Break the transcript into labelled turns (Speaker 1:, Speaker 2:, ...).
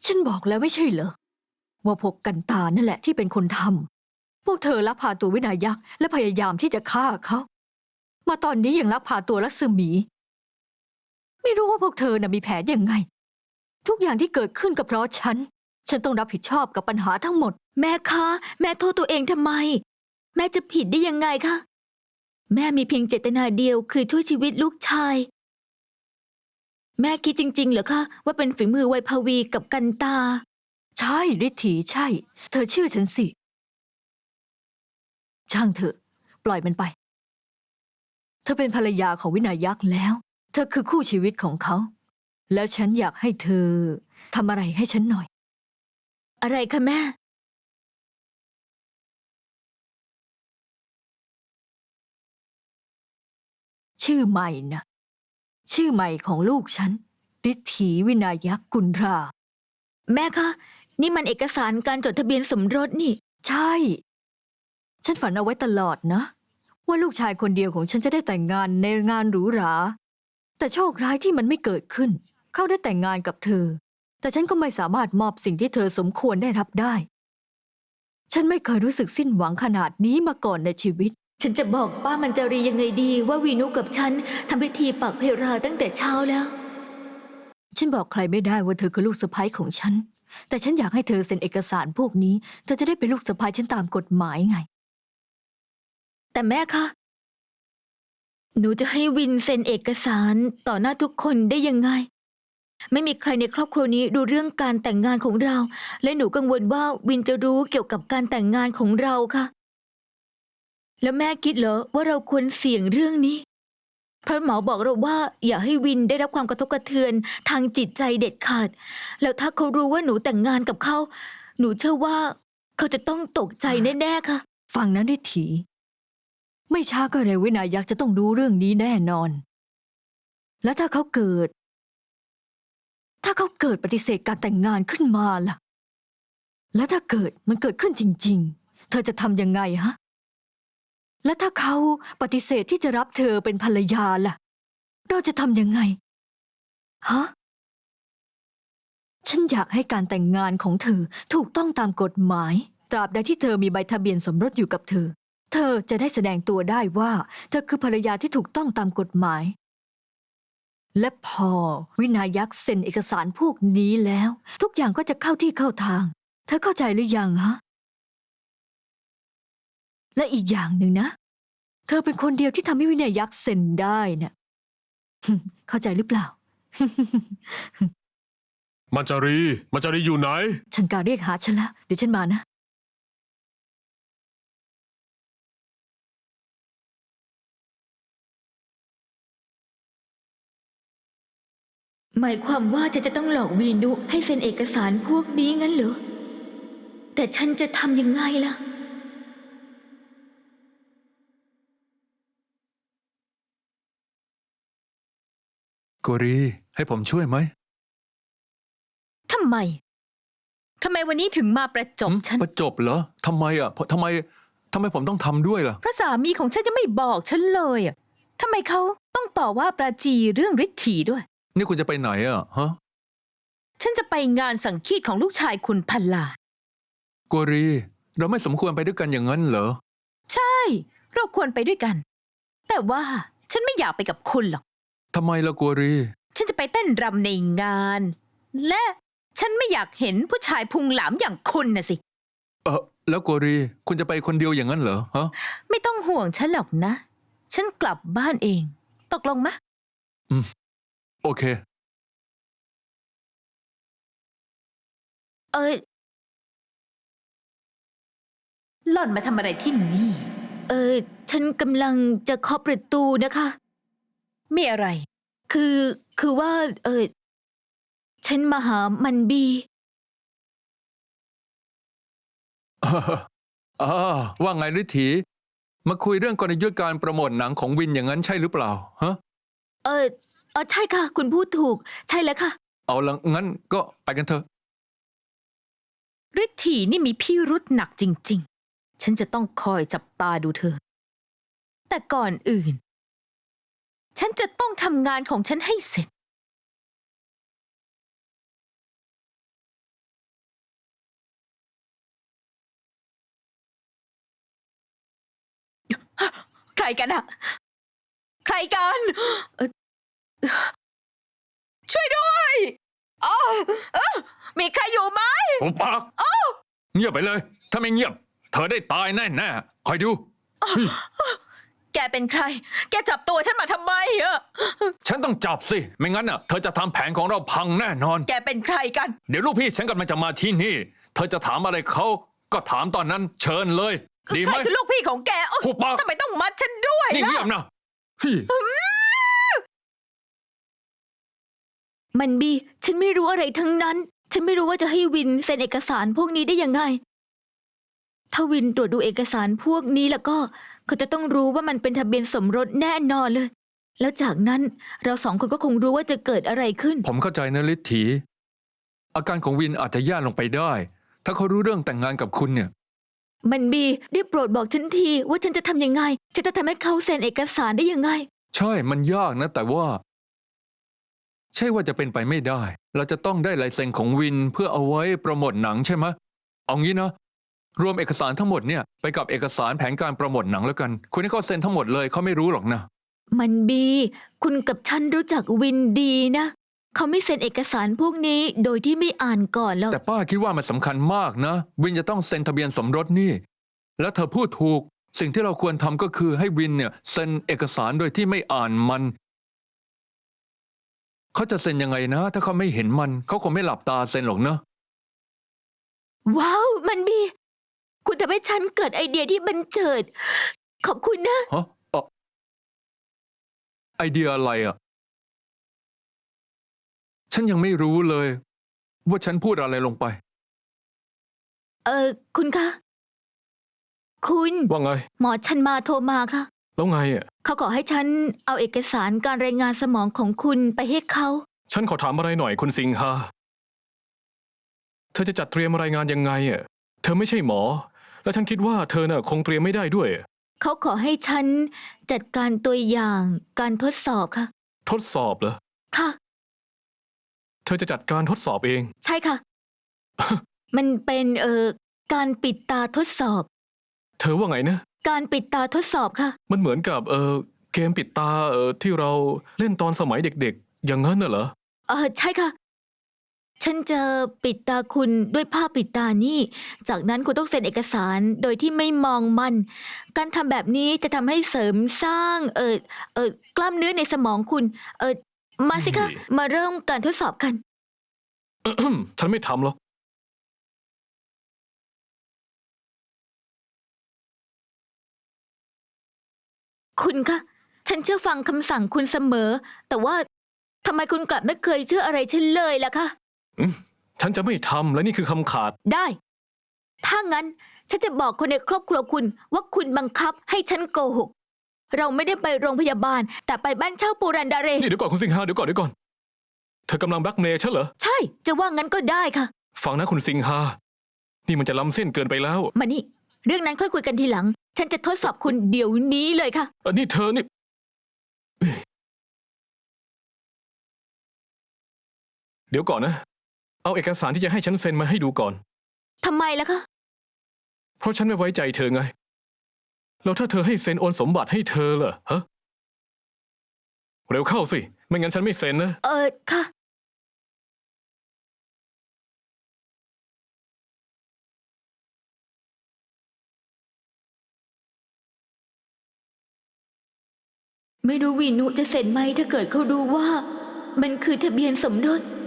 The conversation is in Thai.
Speaker 1: ฉันบอกแล้วไม่ใช่เหรอว่าพวกกันตานั่นแหละที่เป็นคนทำพวกเธอลักพาตัววินายักษ์และพยายามที่จะฆ่าเขามาตอนนี้ยังลักพาตัวลักษมี ไม่รู้ว่าพวกเธอน่ะมีแผนยังไงทุกอย่างที่เกิดขึ้นก็เพราะฉันต้องรับผิดชอบกับปัญหาทั้งหมด
Speaker 2: แม่คะแม่โทษตัวเองทำไมแม่จะผิดได้ยังไงคะแม่มีเพียงเจตนาเดียวคือช่วยชีวิตลูกชายแม่คิดจริงๆเหรอคะว่าเป็นฝีมือไวภวีกับกันตา
Speaker 1: ใช่ฤทธีใช่เธอเชื่อฉันสิช่างเถอะปล่อยมันไปเธอเป็นภรรยาของวินายักษ์แล้วเธอคือคู่ชีวิตของเขาแล้วฉันอยากให้เธอทำอะไรให้ฉันหน่อย
Speaker 2: อะไรคะแม่
Speaker 1: ชื่อใหม่นะชื่อใหม่ของลูกฉันฤทธีวินายักษ์กุลรา
Speaker 2: แม่คะนี่มันเอกสารการจดทะเบียนสมรสนี่
Speaker 1: ใช่ฉันฝันเอาไว้ตลอดนะว่าลูกชายคนเดียวของฉันจะได้แต่งงานในงานหรูหราแต่โชคร้ายที่มันไม่เกิดขึ้นเขาได้แต่งงานกับเธอแต่ฉันก็ไม่สามารถมอบสิ่งที่เธอสมควรได้รับได้ฉันไม่เคยรู้สึกสิ้นหวังขนาดนี้มาก่อนในชีวิต
Speaker 2: ฉันจะบอกป้ามันจารียังไงดีว่าวีนุกับฉันทำพิธีปักเพราตั้งแต่เช้าแล้ว
Speaker 1: ฉันบอกใครไม่ได้ว่าเธอคือลูกสะใภ้ของฉันแต่ฉันอยากให้เธอเซ็นเอกสารพวกนี้เธอจะได้เป็นลูกสะใภ้ฉันตามกฎหมายไง
Speaker 2: แต่แม่คะหนูจะให้วินเซ็นเอกสารต่อหน้าทุกคนได้ยังไงไม่มีใครในครอบครัวนี้ดูเรื่องการแต่งงานของเราและหนูกังวลว่าวินจะรู้เกี่ยวกับการแต่งงานของเราค่ะแล้วแม่คิดเหรอว่าเราควรเสี่ยงเรื่องนี้เพราะหมอบอกเราว่าอย่าให้วินได้รับความกระทบกระเทือนทางจิตใจเด็ดขาดแล้วถ้าเขารู้ว่าหนูแต่งงานกับเขาหนูเชื่อว่าเขาจะต้องตกใจแน่ๆค่ะ
Speaker 1: ฟังนะนิถีไม่ช้าก็เร็ววินายักษ์จะต้องรู้เรื่องนี้แน่นอนและถ้าเขาเกิดปฏิเสธการแต่งงานขึ้นมาล่ะและถ้ามันเกิดขึ้นจริงๆเธอจะทำยังไงฮะและถ้าเขาปฏิเสธที่จะรับเธอเป็นภรรยาล่ะเราจะทำยังไงฮะฉันอยากให้การแต่งงานของเธอถูกต้องตามกฎหมายตราบใดที่เธอมีใบทะเบียนสมรสอยู่กับเธอจะได้แสดงตัวได้ว่าเธอคือภรรยาที่ถูกต้องตามกฎหมายและพอวินายักษ์เซ็นเอกสารพวกนี้แล้วทุกอย่างก็จะเข้าที่เข้าทางเธอเข้าใจหรือยังฮะและอีกอย่างหนึ่งนะเธอเป็นคนเดียวที่ทำให้วินายักษ์เซ็นได้น่ะเข้าใจหรือเปล่า
Speaker 3: มัจจารีอยู่ไหน
Speaker 1: ฉันการเรียกหาฉันแล้วเดี๋ยวฉันมานะ
Speaker 2: หมายความว่าจะต้องหลอกวีนุให้เซ็นเอกสารพวกนี้งั้นเหรอแต่ฉันจะทำยังไงล่ะ
Speaker 4: โกรีให้ผมช่วยไหม
Speaker 5: ทำไมวันนี้ถึงมาประจบฉัน
Speaker 4: ประจบเหรอทำไมอ่ะทำไมผมต้องทำด้วยล่ะ
Speaker 5: เพราะสามีของฉันจะไม่บอกฉันเลยอ่ะทำไมเขาต้องต่อว่าปราจีเรื่องฤทธีด้วย
Speaker 4: นี่คุณจะไปไหนอ่ะฮะ
Speaker 5: ฉันจะไปงานสังคีตของลูกชายคุณพันลา
Speaker 4: โกรีเราไม่สมควรไปด้วยกันอย่างนั้นเหรอ
Speaker 5: ใช่เราควรไปด้วยกัน แต่ว่าฉันไม่อยากไปกับคุณหรอก
Speaker 4: ทำไมล่ะโกรี
Speaker 5: ฉันจะไปเต้นรำในงาน และฉันไม่อยากเห็นผู้ชายพุงหลามอย่างคุณน่ะสิ
Speaker 4: แล้วโกรีคุณจะไปคนเดียวอย่างนั้นเหรอฮะ
Speaker 5: ไม่ต้องห่วงฉันหรอกนะ ฉันกลับบ้านเอง ตกลงมะ
Speaker 4: โอเค
Speaker 5: หล่อนมาทำอะไรที่นี่
Speaker 2: ฉันกำลังจะเคาะประตูนะคะ
Speaker 5: มีอะไร
Speaker 2: คือว่าฉันมาหามันบี
Speaker 4: ว่าไงฤทธีมาคุยเรื่องกลยุทธ์การโปรโมทหนังของวินอย่างนั้นใช่หรือเปล่าฮะ
Speaker 2: ใช่ค่ะคุณพูดถูกใช่แล้วค่ะ
Speaker 4: เอาละงั้นก็ไปกันเถอะ
Speaker 5: ฤทธีนี่มีพิรุธหนักจริงๆ ฉันจะต้องคอยจับตาดูเธอ แต่ก่อนอื่น ฉันจะต้องทำงานของฉันให้เสร็จรกันอะใครกันช่วยด้วยอ้อมีใครอยู่ไหม
Speaker 3: ปุบปากเงียบไปเลย ถ้าไม่เงียบ เธอได้ตายแน่ๆคอยดูเฮ้ย
Speaker 5: แกเป็นใคร แกจับตัวฉันมาทำไมอะ
Speaker 3: ฉันต้องจับสิ ไม่งั้นน่ะ เธอจะทำแผนของเราพังแน่นอน
Speaker 5: แกเป็นใครกัน
Speaker 3: เดี๋ยวลูกพี่ฉันกำลังจะมาที่นี่ เธอจะถามอะไรเขาก็ถามตอนนั้นเชิญเลย ดี
Speaker 5: ใค
Speaker 3: ไห
Speaker 5: ร
Speaker 3: ม
Speaker 5: คือลูกพี่ของแกโอ๊ย
Speaker 3: หุบปาก
Speaker 5: ทำไมต้องมัดฉันด้วย
Speaker 3: นี่
Speaker 5: ล่ะ
Speaker 3: เงียบนะเฮ้ย
Speaker 2: มันบีฉันไม่รู้อะไรทั้งนั้น ฉันไม่รู้ว่าจะให้วินเซ็นเอกสารพวกนี้ได้ยังไง ถ้าวินตรวจดูเอกสารพวกนี้แล้วก็เขาจะต้องรู้ว่ามันเป็นทะเบียนสมรสแน่นอนเลย แล้วจากนั้นเราสองคนก็คงรู้ว่าจะเกิดอะไรขึ้น
Speaker 4: ผมเข้าใจนะฤทธีอาการของวินอาจจะแย่ลงไปได้ ถ้าเขารู้เรื่องแต่งงานกับคุณเนี่ย
Speaker 2: มันบีได้โปรดบอกฉันทีว่าฉันจะทำยังไง ฉันจะทำให้เขาเซ็นเอกสารได้ยังไง
Speaker 4: ใช่มันยากนะ แต่ว่า ใช่ว่าจะเป็นไปไม่ได้ เราจะต้องได้ลายเซ็นของวินเพื่อเอาไว้โปรโมทหนังใช่ไหมเอางี้นะ รวมเอกสารทั้งหมดเนี่ยไปกับเอกสารแผนการโปรโมทหนังแล้วกัน คุณให้เขาเซ็นทั้งหมดเลยเขาไม่รู้หรอกนะ
Speaker 2: มันบีคุณกับฉันรู้จักวินดีนะ เขาไม่เซ็นเอกสารพวกนี้โดยที่ไม่อ่านก่อนแล้ว
Speaker 4: แต่ป้าคิดว่ามันสำคัญมากนะ วินจะต้องเซ็นทะเบียนสมรสนี่ แล้วเธอพูดถูก สิ่งที่เราควรทำก็คือให้วินเนี่ยเซ็นเอกสารโดยที่ไม่อ่านมัน เขาจะเซ็นยังไงนะ ถ้าเขาไม่เห็นมัน เขาคงไม่หลับตาเซ็นหรอกเนอะ
Speaker 2: ว้าว มันบีคุณทำให้ฉันเกิดไอเดียที่บันเจิด ขอบคุณนะ
Speaker 4: ฮะไอเดียอะไรอ่ะ ฉันยังไม่รู้เลย ว่าฉันพูดอะไรลงไป
Speaker 2: คุณคะ คุณ
Speaker 6: ว่าไง
Speaker 2: หมอชันมาโทรมาค่ะ
Speaker 6: แล้วไงอ่ะ
Speaker 2: เขาขอให้ฉันเอาเอกสารการรายงานสมองของคุณไปให้เขา
Speaker 6: ฉันขอถามอะไรหน่อยคุณสิงหาเธอจะจัดเตรียมรายงานยังไงอ่ะ เธอไม่ใช่หมอ และฉันคิดว่าเธอน่ะคงเตรียมไม่ได้ด้วย
Speaker 2: เขาขอให้ฉันจัดการตัวอย่างการทดสอบค่ะ
Speaker 6: ทดสอบเหรอ
Speaker 2: ค่ะ
Speaker 6: เธอจะจัดการทดสอบเอง
Speaker 2: ใช่ค่ะ มันเป็นการปิดตาทดสอบ
Speaker 6: เธอว่าไงนะ
Speaker 2: การปิดตาทดสอบค่ะ
Speaker 6: มันเหมือนกับเกมปิดตาที่เราเล่นตอนสมัยเด็กๆ อย่างนั้นน่ะเหรอ
Speaker 2: ใช่ค่ะ ฉันจะปิดตาคุณด้วยผ้าปิดตานี่ จากนั้นคุณต้องเซ็นเอกสารโดยที่ไม่มองมัน การทำแบบนี้จะทำให้เสริมสร้างกล้ามเนื้อในสมองคุณมาสิคะ มาเริ่มการทดสอบกัน
Speaker 6: ฉันไม่ทำหรอก
Speaker 2: คุณคะ ฉันเชื่อฟังคำสั่งคุณเสมอ แต่ว่าทำไมคุณกลับไม่เคยเชื่ออะไรฉันเลยล่ะคะ
Speaker 6: ฉันจะไม่ทำและนี่คือคำขาด
Speaker 2: ได้ ถ้างั้นฉันจะบอกคนในครอบครัวคุณว่าคุณบังคับให้ฉันโกหก เราไม่ได้ไปโรงพยาบาล แต่ไปบ้านเช่าปูรันดาเร
Speaker 6: นี่เดี๋ยวก่อนคุณสิงหาเดี๋ยวก่อน เธอกำลังแบล็กเมย์ฉันเหรอ
Speaker 2: ใช่ จะว่างั้นก็ได้ค่ะ
Speaker 6: ฟังนะคุณสิงหา นี่มันจะล้ำเส้นเกินไปแล้ว
Speaker 2: มานี่ เรื่องนั้นค่อยคุยกันทีหลัง ฉันจะทดสอบคุณเดี๋ยวนี้เลยค่ะ
Speaker 6: นี่เธอนี่เดี๋ยวก่อนนะ เอาเอกสารที่จะให้ฉันเซ็นมาให้ดูก่อน
Speaker 2: ทำไมล่ะคะ
Speaker 6: เพราะฉันไม่ไว้ใจเธอไง แล้วถ้าเธอให้เซ็นโอนสมบัติให้เธอล่ะฮะ เร็วเข้าสิ ไม่งั้นฉันไม่เซ็นนะ
Speaker 2: ค่ะ ไม่รู้วีนุจะเซ็นไหมถ้าเกิดเขารู้ว่า มันคือทะเบียนสมรส